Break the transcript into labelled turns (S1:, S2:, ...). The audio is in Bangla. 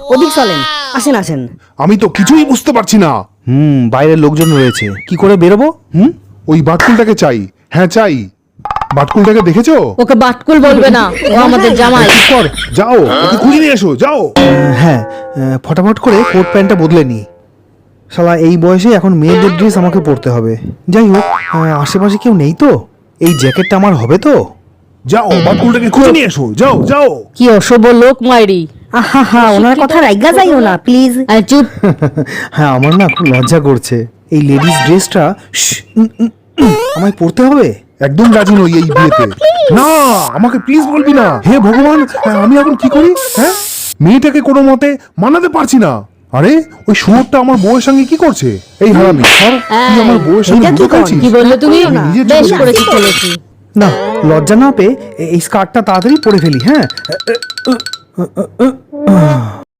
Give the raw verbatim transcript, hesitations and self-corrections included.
S1: ওদিক চলেন, আসেন আসেন।
S2: আমি তো কিছুই বুঝতে পারছি না।
S3: হুম, বাইরের লোকজন রয়েছে, কি করে বেরোবো? হুম,
S2: ওই বাটকুলটাকে চাই। হ্যাঁ চাই। বাটকুলটাকে দেখেছো?
S1: ওকে বাটকুল বলবে না, ও আমাদের জামাই।
S2: চুপ কর, যাও ওকে খুঁজে নিয়ে এসো, যাও।
S3: হ্যাঁ, আহ, ফটাফট করে কোট প্যান্টটা বদলে নি। শালা এই বয়সে এখন মেয়েদের ড্রেস আমাকে পরতে হবে। যাই হোক, আহ, আশেপাশে কেউ নেই তো? এই জ্যাকেটটা আমার হবে তো?
S2: যাও বাটকুলটাকে খুঁজে নিয়ে এসো, যাও যাও।
S1: কি অশুভ লোক মাইরি।
S4: আহা হা ওনার কথা রাইগা যাইও না প্লিজ।
S1: আরে চুপ।
S3: হ্যাঁ, আমার না খুব লজ্জা করছে। এই লেডিস ড্রেসটা আমায় পরতে হবে?
S2: একদম রাজি নই এই বিয়েতে। না, আমাকে প্লিজ বলবি না। হে ভগবান, আমি এখন কি করি? হ্যাঁ, মেয়েটাকে কোনো মতে মানাতে পারছি না। আরে ওই শুয়োরটা আমার বউয়ের সঙ্গে কি করছে? এই হারামি, সর, তুই আমার বউয়ের সঙ্গে
S4: এটা কি
S2: লুকাচ্ছিস?
S1: কি বললে তুমি?
S2: আমি নিজের
S1: বেশ
S2: চোখে
S1: করেছি চলেছি।
S3: না, লজ্জা না পেয়ে এ- এই স্কার্টটা তাড়াতাড়ি পরে ফেলি। হ্যাঁ